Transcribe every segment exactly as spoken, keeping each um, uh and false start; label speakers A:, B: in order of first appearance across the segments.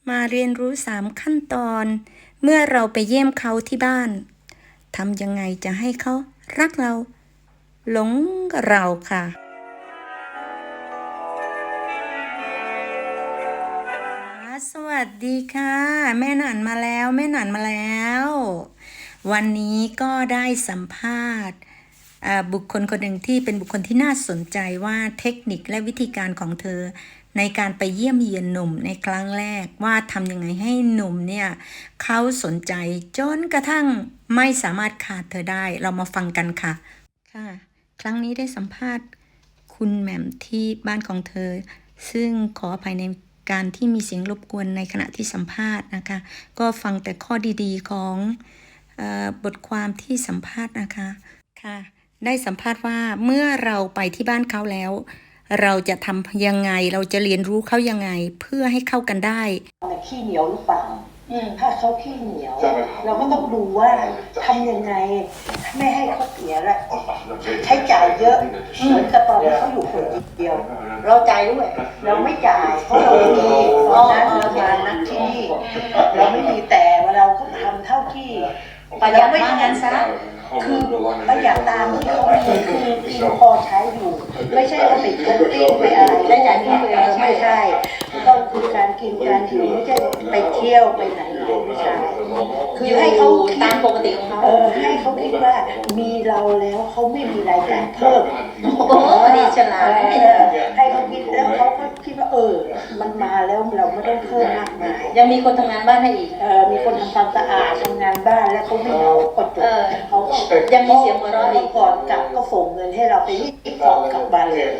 A: มาเรียนรู้สามขั้นตอน เมื่อเราไปเยี่ยมเขาที่บ้านทำยังไงจะให้เขารักเรา หลงเราค่ะสวัสดีค่ะแม่หนันมาแล้วแม่หนันมาแล้ว วันนี้ก็ได้สัมภาษณ์บุคคลคนหนึ่งที่เป็นบุคคลที่น่าสนใจว่าเทคนิคและวิธีการของเธอในการไปเยี่ยมเยียนหนุ่มในครั้งแรกว่าทำยังไงให้หนุ่มเนี่ยเขาสนใจจนกระทั่งไม่สามารถขาดเธอได้เรามาฟังกันค่ะค่ะครั้งนี้ได้สัมภาษณ์คุณแหม่มที่บ้านของเธอซึ่งขออภัยในการที่มีเสียงรบกวนในขณะที่สัมภาษณ์นะคะก็ฟังแต่ข้อดีๆของเอ่อบทความที่สัมภาษณ์นะคะค่ะได้สัมภาษณ์ว่าเมื่อเราไปที่บ้านเขาแล้วเราจะทำยังไงเราจะเรียนรู้เขายังไงเพื่อให้เข้ากันได้
B: ขี้เหนียวหรือเปล่าถ้าเขาขี้เหนียวเราก็ต้องดูว่าทำยังไงไม่ให้เขาเสียละใช้จ่ายเยอะเหมือนกับตอนที่เขาอยู่คนเดียวเราจ่ายด้วยเราไม่จ่ายเพราะเราไม่มีตอนนั้นเรามานักที่เราไม่มีแต่ว่าเราก็ทำเท่าที่ประหยัดไม่งั้นซะคือประหยัดตามที่เขามีคือกินพอใช้อยู่ไม่ใช่ว่าไปกินติ้งไปอะไรใช้จ่ายที่เปลืองไม่ใช่ต้องคือการกินการอยู่ไม่ใช่ไปเที่ยวไปไหนไม่ใช่คือให้เขาตามปกติของเขาเออให้เขาคิดว่ามีเราแล้วเขาไม่มีรายจ่ายเพิ่มโอ้ดีฉลาดให้เขาคิดแล้วเขาก็คิดว่าเออมันมาแล้วเราไม่ต้องเพิ่มมากมาย
C: ยังมีคนทำงานบ้านให้อีก
B: เออมีคนทำความสะอาดทำงานบ้านแล้วเขาไม่เอากดจบเขาก็
C: ยังมีเสียงหัวเราะอีก
B: ก่อนกลับก็ส่งเงินให้เราไปรีบกลับกลับบ้านเลย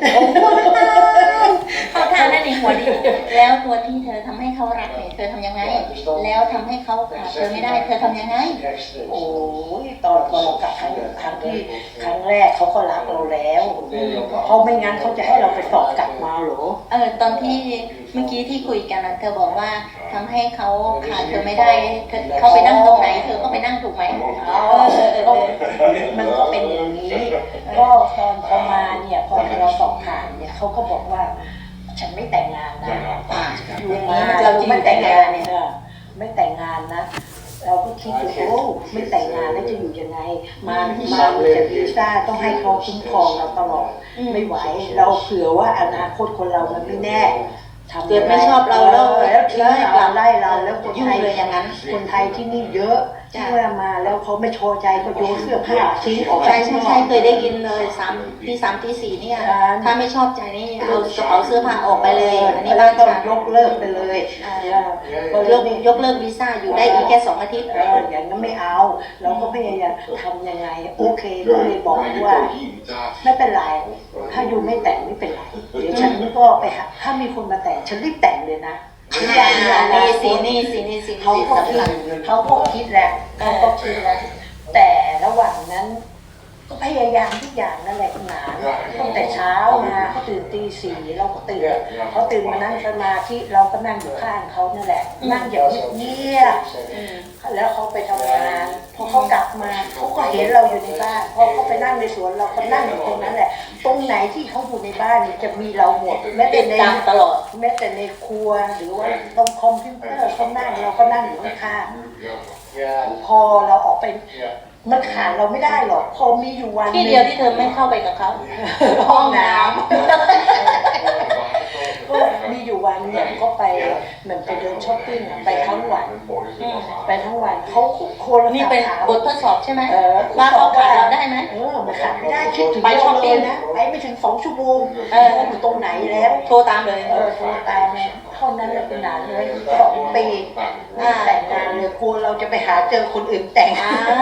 C: เขาทานนั่นเองหัวดีแล้วตัวที่เธอทำให้เขารักเนี่ยเธอทำยังไงแล้วทำให้เขาขาดเธอไม่ได้เธอทำยังไง
B: โอ้ยตอนตอนเรากลับครั้งครั้งที่ครั้งแรกเขาก็รักเราแล้วเขาไม่งั้นเขาจะให้เราไปสอบกลับมาหรอ
C: เออตอนที่เมื่อกี้ที่คุยกันเธอบอกว่าทำให้เขาขาดเธอไม่ได้เธอเขาไปนั่งตรงไหนเธอก็ไปนั่งถูกไหม
B: เออเออมันก็เป็นอย่างนี้ก็ตอนพอมาเนี่ยพอเราสอบผ่านเนี่ยเขาก็บอกว่าฉันไม่แต่งงานนะอยู่มาเราไม่แต่งงานเนี่ยไม่แต่งงานนะเราก็คิดว่าโอ้ไม่แต่งงานแล้วจะอยู่ยังไงมามาจากวีซ่าต้องให้เขาคุ้มครองเราตลอดไม่ไหวเราเผื่อว่าอนาคตคนเรามันไม่แน่
C: เกิดไม่ชอบเราแล้ว
B: แล้วทิ้งเราไล่เราแล้วคนไทยอย่างนั้นคนไทยที่นี่เยอะที่ว่ามาแล้วเขาไม่พอใจก็โยนเสื้อผ้าทิ้งออก
C: ใช่ใช่ใช่เคยได้ยินเลยสามที่สามที่สี่เนี่ยถ้าไม่ชอบใจนี่เอากระเป๋าเสื้อผ้าออกไปเลย
B: อันนี้บ้านต้องยกเลิกไปเลย
C: ยกยกเลิกวีซ่าอยู่ได้อีกแค่สองอาทิตย์
B: อย่างนั้นไม่เอาเราก็พยายามทำยังไงโอเคก็เลยบอกว่าไม่เป็นไรถ้าอยู่ไม่แต่งไม่เป็นไรเดี๋ยวฉันก็ไปหาถ้ามีคนมาแต่งฉันรีบแต่งเลยนะ
C: นี่สินี่สินี่สิ
B: เขาก็คิดเขาก็คิดแหละเขาก็คิดแล้วแต่ระหว่างนั้นก็พยายามทุกอย่างนั่นแหละคุณหนาตั้งแต่เช้ามาเขาตื่นตีสี่เราก็ตื่นเขาตื่นมานั่งสมาธิเราก็นั่งอยู่ข้างเขานั่นแหละนั่งอย่างเงียบแล้วเขาไปทำงานพอเขากลับมาเขาก็เห็นเราอยู่ในบ้านพอเขาไปนั่งในสวนเราก็นั่งอยู่ตรงนั้นแหละตรงไหนที่เขาอยู่ในบ้านนี่จะมีเราหมดแม้แต่ใน
C: ตลอด
B: แม้แต่ในครัวหรือว่าตรงคอมพิวเตอร์เขานั่งเราก็นั่งอยู่ข้างๆพอเราออกไปมันขาดเราไม่ได้หรอกพอมีอยู่วัน
C: ที่เดียวที่เธอไม่เข้าไปกับเขา
B: ห้องน้ำก็มีอยู่วันเนี่ยก็ไปเหมือนไปเดินช้อปปิ้งไปทั้งวันไปทั้งวันเขาโคล
C: นี่เป็นบททดสอบใช่ไหม
B: ว่า
C: เขาขาดเราได้ไหม
B: เออมันขาดไม่ได้คิดถึงไปช้อปปิ้งนะไปไม่ถึงสองชั่วโมงเอออยู่ตรงไหนแล้ว
C: โทรตามเลย
B: เออโทรตามเท่านั้นเลยเป็นนานเลยสองปีแต่งงานเลยควรเราจะไปหาเจอคนอื่นแต่ง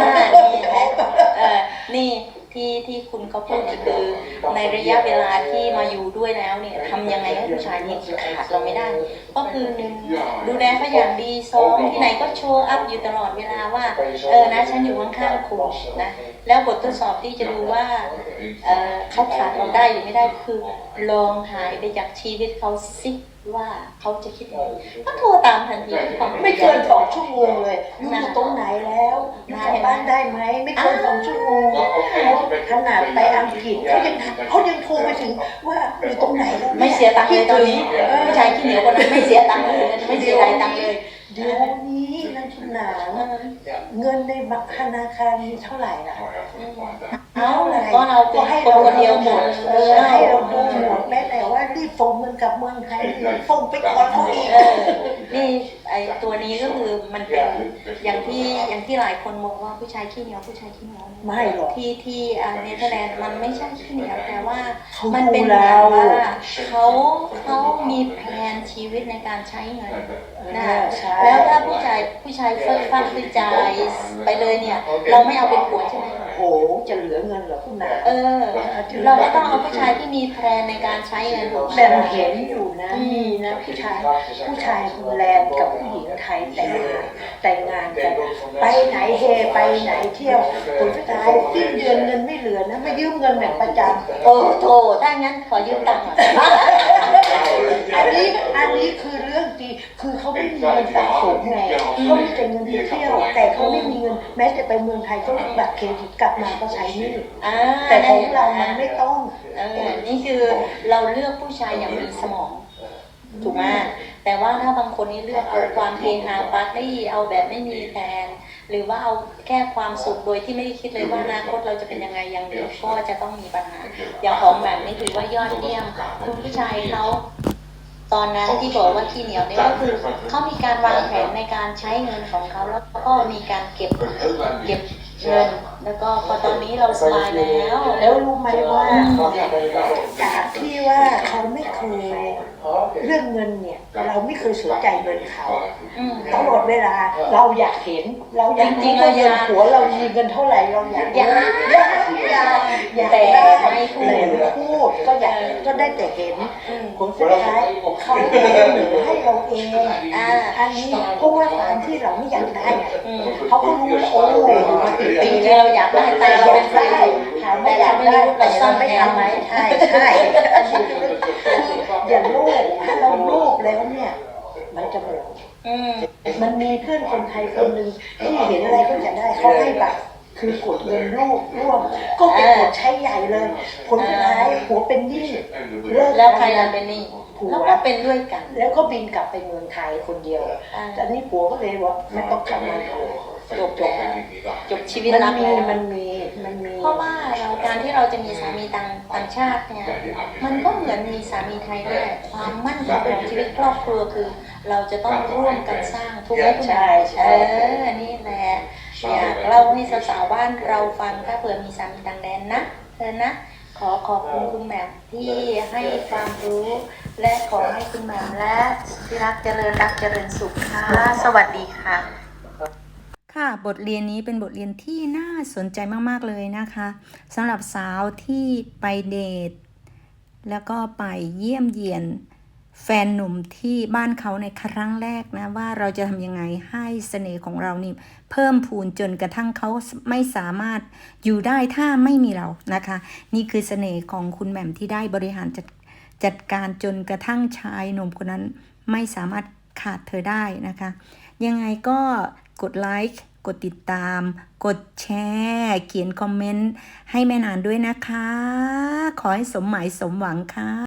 C: นี่ที่ที่คุณเขาพูดคือในระยะเวลาที่มาอยู่ด้วยแล้วเนี่ยทำยังไงให้ผู้ชายนี่ขาดเราไม่ได้ก็คือหนึ่งดูแลเขาอย่างดีสองที่ไหนก็โชว์อัพอยู่ตลอดเวลาว่าเออนะฉันอยู่ข้างๆคุณนะแล้วบททดสอบที่จะดูว่าเออเขาขาดเราได้หรือไม่ได้คือลองหายไปจากชีวิตเขาสิว่าเขาจะคิดยังไงก็โทรตามทันที
B: ไม่เกินสองชั่วโมงเลยอยู่ตรงไหนแล้วกลับบ้านได้ไหมไม่เกินสองชั่วโมงขนาดไปอังกฤษเขายังเขายังโทรไปถึงว่าอยู่ตรงไหนแล้ว
C: ไม่เสียตังค์เลยตอนนี้ผู้ชายขี้เหนียวคนนั้นไม่เสียตังค์เลยไม่เสียรายตังค์เลย
B: เดี๋ยวนี้นักทุนหนาเงินในบัตรธนาคารมีเท่าไหร่ล่ะ
C: เอาก็เราเป็น
B: ให้
C: คน
B: เรา
C: คนเดียวหมด
B: เออให้เราดูหมดแม้แต่ว่ารีบส่งเงินกลับเมืองไทยส่งไปก่อนเขาอีก
C: เออนี่ไอตัวนี้ก็คือมันเป็นอย่างที่อย่างที่หลายคนมองว่าผู้ชายขี้เหนียวผู้ชายขี้เหนียว
B: ไม่หรอก
C: ที่ที่อ่าเนเธอร์แลนด์มันไม่ใช่ขี้เหนียวแต่ว่า
B: เขา
C: มันเป็น
B: ดู
C: แบ
B: เรา
C: บว่าเขาเขามีแผนชีวิตในการใช้เงินนะ
B: ใช่
C: แล้วถ้าผู้ชายผู้ชายเฟิร์สฟังคือจ่ายไปเลยเนี่ยเราไม่เอาเป็นผัวใช่ไหม
B: โอ้จะเหลือเงินเหรอคุณหนา
C: เออเราก็ต้องเอาผู้ชายที่มีแผนในการใช้เงินถูกไหม
B: แบบเห็นอยู่นะมีนะผู้ชายผู้ชายคุณแลนด์กับผู้หญิงไทยแต่งงานแต่งงานกันไปไหนเฮไปไหนเที่ยวผลสุดท้ายสิ้นเดือนเงินไม่เหลือนะมายืมเงินแบบประจำ
C: โอ้โถถ้างั้นขอยืมตังค์หน่อย
B: อันนี้อันนี้คือเรื่องจริงคือเขาไม่มีเงินสะสมไงเขามีแต่เงินไปเที่ยว แต่เขาไม่มีเงินแม้แต่ไปเมืองไทยก็บัตรเครดิตกลับมาก็ใช้หนี่
C: อ่า
B: แต่ของเรามันไม่ต้อง
C: เออนี่คือเราเลือกผู้ชายอย่างมีสมอง ถูกไหมแต่ว่าถ้าบางคนนี่เลือกเอาความเฮฮาปาร์ตี้เอาแบบไม่มีแผนหรือว่าเอาแค่ความสุขโดยที่ไม่ได้คิดเลยว่าอนาคตเราจะเป็นยังไงอย่างเดียวก็จะต้องมีปัญหา อย่างของแบบนี้ถือว่ายอดเยี่ยม คุณผู้ชายเขาตอนนั้นที่บอกว่าขี้เหนียวเนี่ยก็คือเขามีการวางแผนในการใช้เงินของเขาแล้วก็มีการเก็บเก็บเงิน แล้วก็พอตอนนี้เราสบายแล้ว
B: แล้วรู้ไหมว่าจากที่ว่าเขาไม่เคยเรื่องเงินเนี่ยเราไม่เคยสนใจเงินเขา
C: อืม
B: ตลอดเวลาเราอยากเห็น เราอยาก
C: จริงๆ
B: ว่า
C: เรา
B: เงิ
C: อน ยาก
B: หัวเรามีเงินเท่าไหร่เราอยาก
C: อยาก
B: อยากอยากอยาก
C: แต่
B: ได้
C: ไม่พูด
B: แต่ไม่พูดก็อยากก็ได้แต่เห็น
C: อืม
B: ผลสุดท้ายเขาเสนอให้เราเอง
C: อ่า
B: อันนี้เพราะว่าการที่เราไม่อยากได้ไง
C: อืม
B: เขาก็รู้แล้วโอ้มากี่
C: จ
B: ปี
C: ริงๆ
B: แล้ว
C: เราอยากได้แต่เราเป็นฝ่าย
B: ถามว่าอยากได้แต่เราไม่ทำไหมใช่ใช่อันนี้คืออย่าโลภถ้าเราโลภแล้วเนี่ยมันจะหมด
C: อืม
B: มันมีเพื่อนคนไทยคนหนึ่งที่เห็นอะไรก็จะได้เขาให้บัตรคือกดเงินรูปร่วม ก็ไปกดใช้ใหญ่เลย ผลสุดท้ายหัวเป็นหนี้เลิก
C: แล้วใครล่ะเป็นหนี่แล้วก็เป็นด้วยกัน
B: แล้วก็บินกลับไปเมืองไทยคนเดียว
C: อ่า
B: แต่นี่ผัวก็เลยว่าไม่ต้องกลับมาเลย
C: จบแล้วจบชีวิต
B: มัน
C: รัก
B: มี
C: แล้ว
B: มันมีมันมี
C: เพราะว่าเราการที่เราจะมีสามีต่างต่างชาติเนี่ย มันก็เหมือนมีสามีไทยด้วยความมั่นคงของชีวิตครอบครัวคือ เราจะต้องร่วมกันสร้างทุกข์ให้คุณ
B: ใช่ใช่
C: เออนี่แหละอยากเล่าให้สาวๆบ้านเราฟังถ้าเผื่อมีสามีต่างแดนนะเธอนะ ขอขอบคุณคุณแหม่มที่ให้ความรู้ และขอให้คุณแหม่มและที่รักเจริญรักเจริญสุขค่ะ สวัสดีค่ะ
A: ค่ะบทเรียนนี้เป็นบทเรียนที่น่าสนใจมากๆเลยนะคะสำหรับสาวที่ไปเดทแล้วก็ไปเยี่ยมเยียนแฟนหนุ่มที่บ้านเขาในครั้งแรกนะว่าเราจะทำยังไงให้เสน่ห์ของเรานี่เพิ่มพูนจนกระทั่งเขาไม่สามารถอยู่ได้ถ้าไม่มีเรานะคะ นี่คือเสน่ห์ของคุณแหม่มที่ได้บริหารจัดจัดการจนกระทั่งชายหนุ่มคนนั้นไม่สามารถขาดเธอได้นะคะ ยังไงก็กดไลค์กดติดตาม กดแชร์เขียนคอมเมนต์ให้แม่นานด้วยนะคะ ขอให้สมหมายสมหวังค่ะ